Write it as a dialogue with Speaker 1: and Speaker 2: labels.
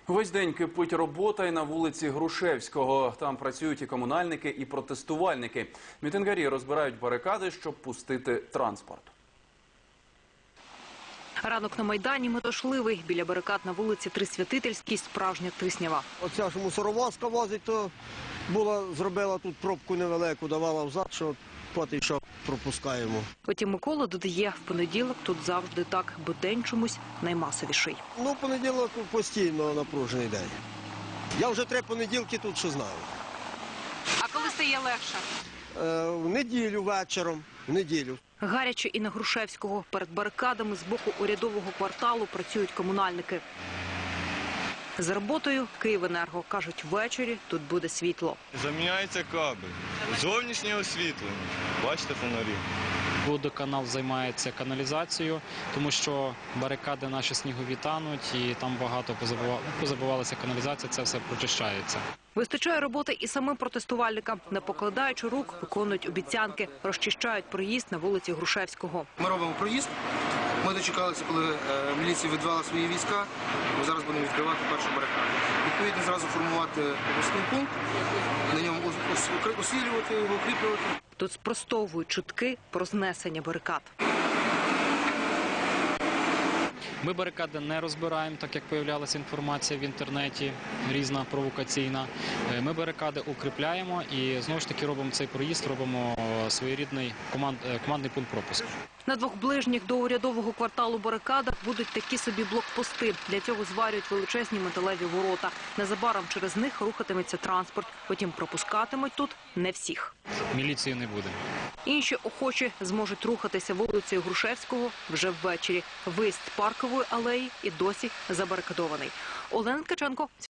Speaker 1: Весь день кипить робота і на вулиці Грушевського. Там працюють і комунальники, і протестувальники. Мітингарі розбирають барикади, щоб пустити транспорт.
Speaker 2: Ранок на Майдані метушливий. Біля барикад на вулиці Трисвятительській справжня тиснява.
Speaker 3: Оця ж мусоровозка возить, то зробила тут пробку невелику, давала взад, що поки що пропускаємо.
Speaker 2: Потім Микола додає, в понеділок тут завжди так, бо день чомусь наймасовіший.
Speaker 3: Ну, понеділок постійно напружений день. Я вже 3 понеділки тут, що знаю.
Speaker 2: А коли стає легше?
Speaker 3: В неділю вечором, в неділю.
Speaker 2: Гаряче і на Грушевського. Перед барикадами з боку урядового кварталу працюють комунальники. За роботою Київенерго. Кажуть, ввечері тут буде світло.
Speaker 4: Заміняється кабель. Зовнішнє освітлення. Бачите фонарі?
Speaker 5: Водоканал займається каналізацією, тому що барикади наші снігові тануть і там багато позабувалася каналізація, це все прочищається.
Speaker 2: Вистачає роботи і самим протестувальникам. Не покладаючи рук, виконують обіцянки, розчищають проїзд на вулиці Грушевського.
Speaker 6: Ми робимо проїзд. Ми дочекалися, коли міліція відвела свої війська. Ми зараз будемо відкривати першу барикаду. Відповідно, зразу формувати обласний пункт, на ньому освітлювати його, укріплювати.
Speaker 2: Тут спростовують чутки про знесення барикад.
Speaker 5: Ми барикади не розбираємо, так як появлялася інформація в інтернеті, різна провокаційна. Ми барикади укріпляємо і знову ж таки робимо цей проїзд, робимо своєрідний командний пункт пропуску.
Speaker 2: На 2 ближніх до урядового кварталу барикадах будуть такі собі блокпости. Для цього зварюють величезні металеві ворота. Незабаром через них рухатиметься транспорт. Потім пропускатимуть тут не всіх.
Speaker 5: Міліції не буде.
Speaker 2: Інші охочі зможуть рухатися вулицею Грушевського вже ввечері. Виїзд Паркової алеї і досі забарикадований. Олена Ткаченко.